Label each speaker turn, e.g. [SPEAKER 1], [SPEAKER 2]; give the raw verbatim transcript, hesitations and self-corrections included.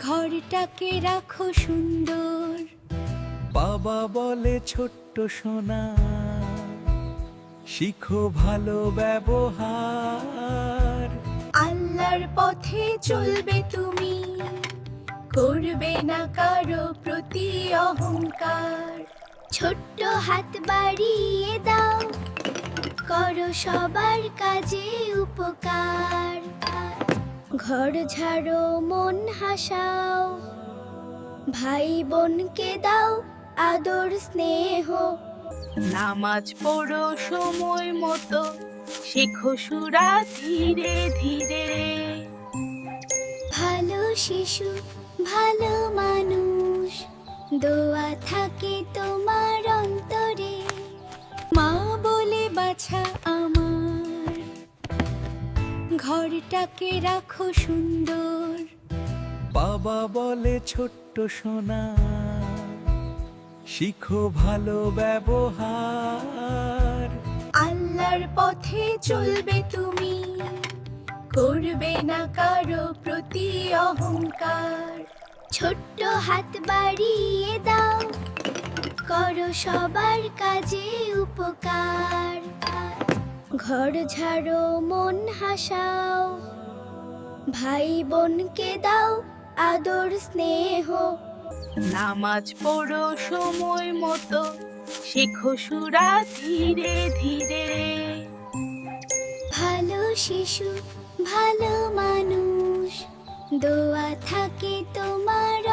[SPEAKER 1] ঘরটাকে রাখো সুন্দর।
[SPEAKER 2] বাবা বলে ছোট্ট সোনা, শিখো ভালো ব্যবহার।
[SPEAKER 1] আল্লাহর পথে চলবে তুমি, করবে না কারো প্রতি অহংকার। ছোট্ট হাত বাড়িয়ে দাও, করো সবার কাজে উপকার। ঘর ঝাড়ো মন হাসাও, ভাই বোনকে দাও আদর স্নেহ।
[SPEAKER 3] নামাজ পড়ো সময় মতো, শেখো সূরা ধীরে ধীরে।
[SPEAKER 1] ভালো শিশু ভালো মানুষ, দোয়া থাকে তোমার অন্তরে। মা বলে বাছা আমার, ঘরটাকে রাখো সুন্দর।
[SPEAKER 2] বাবা বলে ছোট্ট সোনা, শিখো ভালো ব্যবহার।
[SPEAKER 1] আল্লাহর পথে চলবে তুমি, করবে না কারো প্রতি অহংকার। ছোট্ট হাত বাড়িয়ে দাও, করো সবার কাজে উপকার। ঘর ঝাড়ো মন হাসাও, ভাই বোনকে দাও আদর স্নেহ।
[SPEAKER 3] নামাজ পড়ো সময় মতো, শেখো সূরা ধীরে ধীরে।
[SPEAKER 1] ভালো শিশু ভালো মানুষ, দোয়া থাকে তোমার